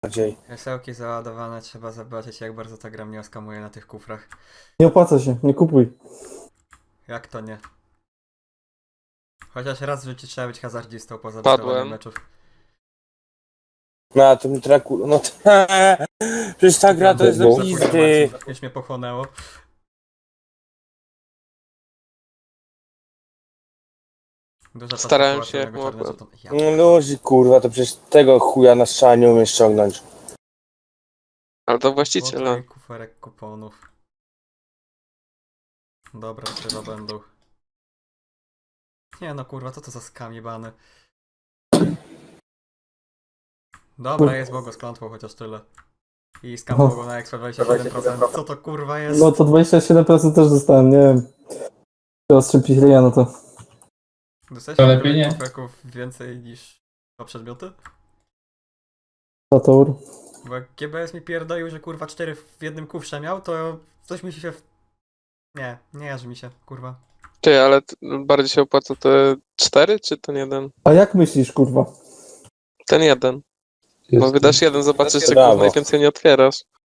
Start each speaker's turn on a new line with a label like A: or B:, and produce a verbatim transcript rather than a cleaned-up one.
A: bardziej.
B: Krzesełki załadowane, trzeba zobaczyć, jak bardzo ta gra mnie oskamuje na tych kufrach.
C: Nie opłaca się, nie kupuj.
B: Jak to nie? Chociaż raz w życiu trzeba być hazardzistą poza
D: Padłem.
B: dostawaniem meczów.
A: No, to mi traku... No to... Przecież ta gra to jest do
B: Za
A: pizdy.
B: informacji, Już mnie pochłonęło. Dużo czasu
D: Starałem
B: połączonego
D: się jak
B: czarnym
D: mogłem.
B: żeton- Ja.
A: No luzi, kurwa, to przecież tego chuja na strzała nie umiesz ściągnąć.
D: Ale to właściciela.
B: Okej, kuferek kuponów. Dobra, chyba będą. Nie no kurwa, co to za skam jebany. Dobra, jest Bogo z klątwą, chociaż tyle. I skam
C: No.
B: Bogo na Expo dwadzieścia siedem procent. Co to kurwa jest?
C: No to dwadzieścia siedem procent też dostałem, nie wiem. Trzeba strzępić ryja na to.
B: Dostałeś
E: To lepiej nie.
B: kuferków więcej niż dwa przedmioty?
C: Satur.
B: Bo jak G B S mi pierdolił, że kurwa cztery w jednym kufrze miał, to coś mi się... W... Nie, nie jarzy mi się, kurwa.
D: Ty, ale t- bardziej się opłaca te cztery, czy ten jeden?
C: A jak myślisz, kurwa?
D: Ten jeden. Bo wydasz jeden, zobaczysz, czy
A: Brawo.
D: kurwa najwięcej nie otwierasz.